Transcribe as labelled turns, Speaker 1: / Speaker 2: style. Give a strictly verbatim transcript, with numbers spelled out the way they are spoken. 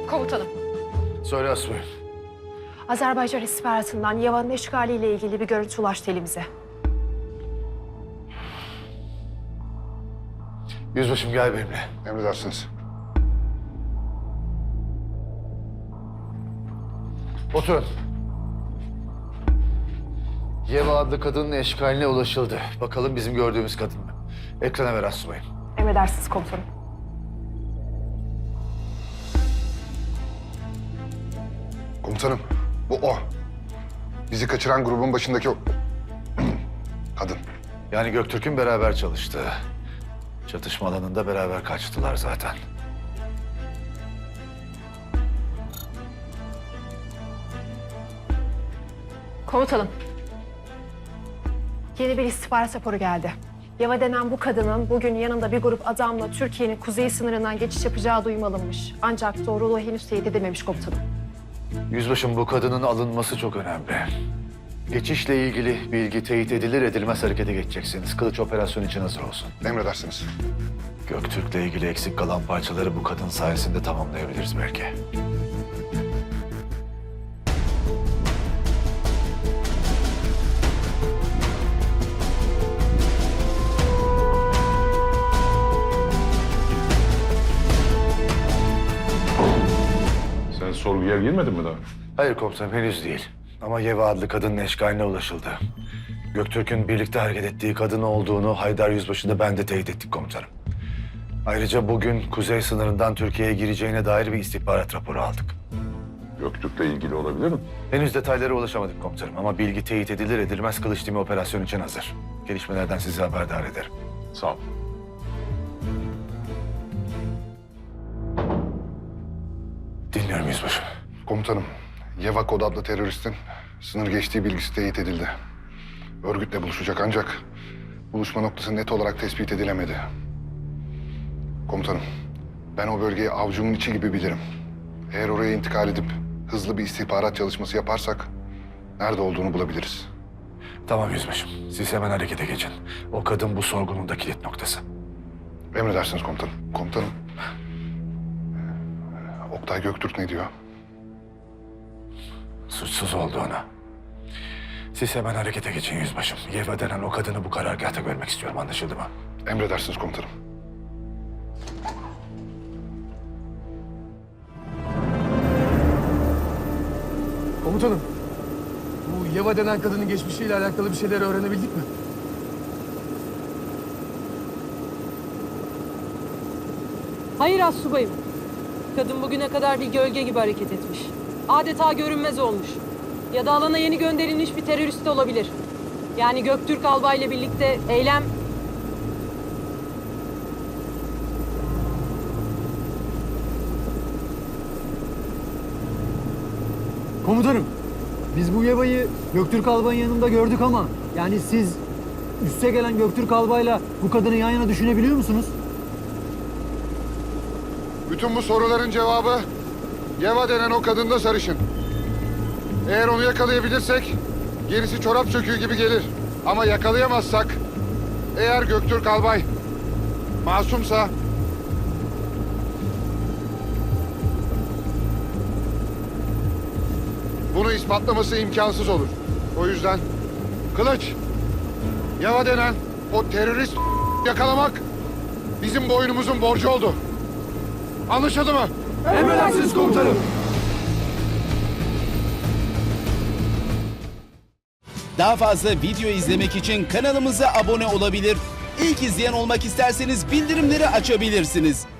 Speaker 1: Komutanım.
Speaker 2: Söyle Asubayım.
Speaker 1: Azerbaycan istihbaratından Yeva'nın eşgaliyle ilgili bir görüntü ulaştı elimize.
Speaker 2: Yüzbaşım gel benimle.
Speaker 3: Emredersiniz.
Speaker 2: Oturun. Yeva adlı kadının eşkaline ulaşıldı. Bakalım bizim gördüğümüz kadın mı? Ekrana ver Asubayım.
Speaker 1: Emredersiniz komutanım.
Speaker 3: Komutanım, bu o. Bizi kaçıran grubun başındaki o... kadın.
Speaker 2: Yani Göktürk'ün beraber çalıştığı. Çatışma alanında beraber kaçtılar zaten.
Speaker 1: Komutanım. Yeni bir istihbarat raporu geldi. Yeva denen bu kadının bugün yanında bir grup adamla Türkiye'nin kuzey sınırından geçiş yapacağı duyum alınmış. Ancak doğruluğu henüz teyit edilmemiş komutanım.
Speaker 2: Yüzbaşım bu kadının alınması çok önemli. Geçişle ilgili bilgi teyit edilir edilmez harekete geçeceksiniz. Kılıç operasyon için hazır olsun.
Speaker 3: Emredersiniz.
Speaker 2: Göktürk'le ilgili eksik kalan parçaları bu kadın sayesinde tamamlayabiliriz belki.
Speaker 4: Sen sorguya girmedin mi daha?
Speaker 2: Hayır komutanım henüz değil. Ama Yeva adlı kadının eşkaline ulaşıldı. Göktürk'ün birlikte hareket ettiği kadın olduğunu Haydar Yüzbaşı da ben de teyit ettik komutanım. Ayrıca bugün kuzey sınırından Türkiye'ye gireceğine dair bir istihbarat raporu aldık.
Speaker 4: Göktürk'le ilgili olabilir mi?
Speaker 2: Henüz detaylara ulaşamadık komutanım ama bilgi teyit edilir edilmez kılıç timi operasyon için hazır. Gelişmelerden sizi haberdar ederim.
Speaker 4: Sağ ol.
Speaker 2: Dinliyorum yüzbaşım.
Speaker 3: Komutanım, Yeva Kod adlı teröristin sınır geçtiği bilgisi teyit edildi. Örgütle buluşacak ancak buluşma noktası net olarak tespit edilemedi. Komutanım, ben o bölgeyi avucumun içi gibi bilirim. Eğer oraya intikal edip hızlı bir istihbarat çalışması yaparsak nerede olduğunu bulabiliriz.
Speaker 2: Tamam yüzbaşım. Siz hemen harekete geçin. O kadın bu sorgunun da kilit noktası.
Speaker 3: Emredersiniz komutanım. Komutanım, Oktay Göktürk ne diyor?
Speaker 2: Suçsuz olduğunu. Siz hemen harekete geçin yüzbaşım. Yeva denen o kadını bu karargâhta görmek istiyorum. Anlaşıldı mı?
Speaker 3: Emredersiniz komutanım.
Speaker 5: Komutanım, bu Yeva denen kadının geçmişiyle alakalı bir şeyler öğrenebildik mi?
Speaker 6: Hayır astsubayım. Kadın bugüne kadar bir gölge gibi hareket etmiş. Adeta görünmez olmuş. Ya da alana yeni gönderilmiş bir terörist de olabilir. Yani Göktürk albayla birlikte eylem...
Speaker 7: Komutanım, biz bu Yeva'yı Göktürk Albay'ın yanında gördük ama... yani siz üste gelen Göktürk Albay'la bu kadını yan yana düşünebiliyor musunuz?
Speaker 3: Bütün bu soruların cevabı Yeva denen o kadında sarışın. Eğer onu yakalayabilirsek gerisi çorap söküğü gibi gelir. Ama yakalayamazsak eğer Göktürk Albay masumsa bunu ispatlaması imkansız olur. O yüzden Kılıç, Yeva denen o terörist yakalamak bizim boynumuzun borcu oldu. Anlaşıldı mı?
Speaker 5: Emredersiniz komutanım.
Speaker 8: Daha fazla video izlemek için kanalımıza abone olabilir. İlk izleyen olmak isterseniz bildirimleri açabilirsiniz.